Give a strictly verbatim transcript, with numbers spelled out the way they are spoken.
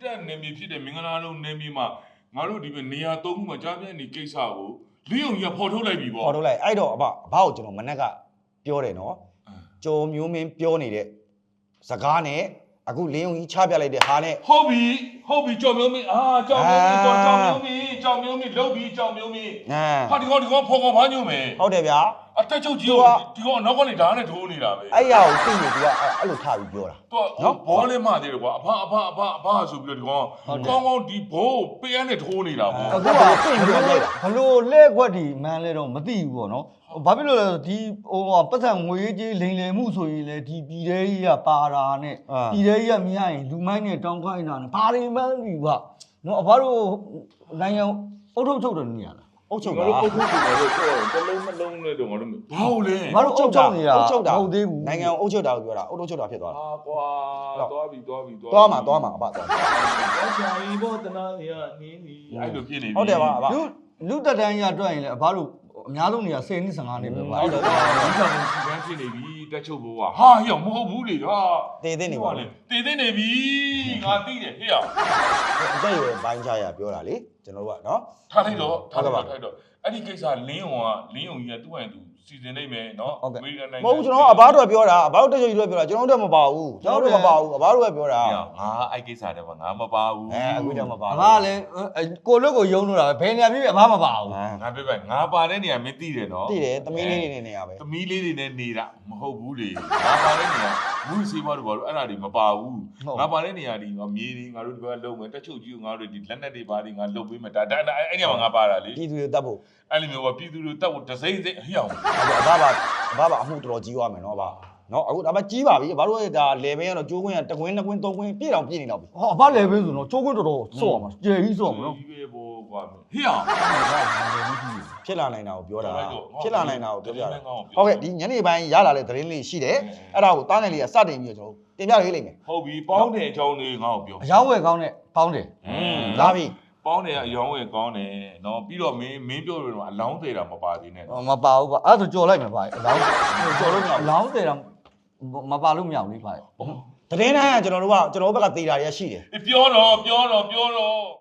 တက်နေပြီဖြစ်တဲ့မင်္ဂလာလုံးနေပြီမှာငါတို့ဒီနေရာသုံးခုမှာကြားပြနေကိစ္စကိုလင်းအောင်ကြီးကဖော်ထုတ်လိုက်ပြီပေါ့ဖော်ထုတ်လိုက်အဲ့တော့အဘအဘကိုကျွန်တော်မနေ့ကပြောတယ်နော်ကျော်မျိုးမင်းပြောနေတဲ့စကားနဲ့အခုလင်းုံကြီးချပြလိုက်တဲ့ဟာနဲ့ဟုတ်ပြီဟုတ်ပြီကြော်မျိုးမင်းအာကြော်မျိုးမင်းကြော်ကြော်မျိုးမင်းကြော်မျိုးမင်းလုတ်ပြီးကြော်မျိုးမင်းဟာဒီကောင်ဒီကောင်ဖော်ကောင်ဘာညို့မယ်ဟုတ်တယ်ဗျာအတက်ချုပ်ကြီးကဒီကောင်နောက်ကနေဓာတ်နဲ့ထိုးနေတာပဲအဲ့ရကိုသိနေသူကအဲ့လိုထားပြီးပြောတာသူကနော်ဘောလေးမှသေးတယ်ကွာအဖအဖအဖအဖဆိုပြီးတော့ဒီကောင်ကောင်းကောင်းဒီဘိုးပေးရနဲ့ထိုးနေတာပေါ့အခုကပြင်ပြီးတော့လိုက်တာဘလို့လဲခွက်ဒီမန်းလဲတော့မသိဘူးပေါ့နော်ဘာဖြစ်လို့လဲဒီဟိုပတ်စံငွေကြီးလိန်လယ်မှုဆိုရင်လေဒီပြည်သေးကြီးကပါတာနဲ့ပြည်သေးကြီးကမရရင်လူမိုင်းနဲ့တောင်းခိုင်းတာနဲ့ဘာတွေမှန်းပြီကနော်အဘတို့နိုင်ငံအုပ်ထုတ်ချုပ်တယ်နေရလားအုပ်ချုပ်တာအုပ်ချုပ်တယ်လို့ပြောတယ်တလုံးမလုံးနဲ့တော့ငါတို့ဘာလို့လဲငါတို့အုပ်ချုပ်နေတာအုပ်ချုပ်တာဟုတ်သေးဘူးနိုင်ငံအုပ်ချုပ်တာကိုပြောတာအုပ်ချုပ်တာဖြစ်သွားတာဟာကွာသွားပြီသွားပြီသွားမှာသွားမှာအဘသွားဆရာကြီးဘောတနာရနင်းနေအဲ့လိုဖြစ်နေပြီဟုတ်တယ်ပါအဘလူလူတက်တန်းရတွက်ရင်လေအဘတို့အများဆုံးနေရ十နှစ်十五နှစ်ပဲပါဟုတ်တယ်ဒီကောင်စီကန်းဖြစ်နေပြီတက်ချုပ်ဘိုးကဟာဟေ့မဟုတ်ဘူးလေဟာတည်သိနေပါလေတည်သိနေပြီငါသိတယ်ဟေ့ရအတက်ရွယ်ဘိုင်းချရပြောတာလေကျွန်တော်တို့ကနော်ထားလိုက်တော့ထားလိုက်ထားတော့အဲ့ဒီကိစ္စလင်းုံကလင်းုံကြီးကသူ့ဟန်သူစီစဉ်နိုင်မယ်နော်အမေရိကန်နိုင်ငံမဟုတ်ဘူးကျွန်တော်အဘတို့ကပြောတာအဘတို့တက်ချုပ်ကြီးတို့ပြောတာကျွန်တော်တို့မပါဘူးကျွန်တော်တို့မပါဘူးအဘတို့ကပြောတာငါအဲ့ကိစ္စတဲ့ငါမပါဘူးအဲအခုကျမပါဘူးအဘကလည်းကိုလွတ်ကိုယုံလို့တာပဲဘယ်နေရာဖြစ်အဘမပါဘူးငါပြပဲငါပါတဲ့နေရာမင်းသိတယ်နော်သိတယ်သမီးလေးတွေနေနေရပဲသမီးလေးတွေနဲ့နေတာမဟုတ်ဘူးလေငါပါတဲ့နေရာဘူးစီးပွားတို့ဘာလို့အဲ့ဒါတွေမပါဘူးငါပါတဲ့နေရာဒီငါမြေတွေငါတို့ဒီဘက်ကလုံမယ်တက်ချုပ်ကြီးကိုငါတို့ဒီလက်နက်တွေဘာတွေငါလုံပေးမယ်ဒါဒါအဲ့နေရာမှာငါပါတာလေပြည်သူတွေတတ်ဖို့အဲ့လိုမျိုးကပြည်သူတွေတတ်ဖို့ဒစိမ့်စိမ့်ဟိအောင်အဘပါအဘပါအမှုတော်တော်ကြီးသွားမယ်နော်အဘနော်အခုဒါမှကြီးပါပြီဘာလို့ဒါလေဘင်းကတော့ကျိုးခွင်းကတကွင်းနှစ်ကွင်းသုံးကွင်းပြည့်တော့ပြည့်နေတော့ပြီဟောအဘလေဘင်းဆိုတော့ကျိုးခွင်းတော်တော်စော့ရမှာကျယ်ကြီးစော့မှာနော်ဒီပဲဘောကွာဟိအောင်ဖြစ်လာနိုင်တာကိုပြောတာဖြစ်လာနိုင်တာကိုပြောပြတာဟုတ်ကဲ့ဒီညနေပိုင်းရလာတဲ့သတင်းလေးရှိတယ်အဲ့ဒါကိုတားငယ်လေးကစတင်ပြီးတော့ကျွန်တော်တင်ပြပေးလိမ့်မယ်ဟုတ်ပြီပေါင်းတဲ့အကြောင်းလေးငါ့ကိုပြောအယောင်းဝယ်ကောင်းတဲ့ပေါင်းတယ်ဟွန်းလာပြီပေါင်းတယ်အယောင်းဝယ်ကောင်းတယ်နော်ပြီးတော့မင်းမင်းပြောလို့တော့အလောင်းသေးတာမပါသေးနဲ့မပါဘူးကွာအဲ့ဒါဆိုကြော်လိုက်မယ်ဗျာအလောင်းကြော်လို့မရဘူးအလောင်းသေးတာမပါလို့မရဘူးလေဗျာသတင်းတိုင်းကကျွန်တော်တို့ကကျွန်တော်တို့ဘက်ကသေးတာတွေရှိတယ်ပြောတော့ပြောတော့ပြောတော့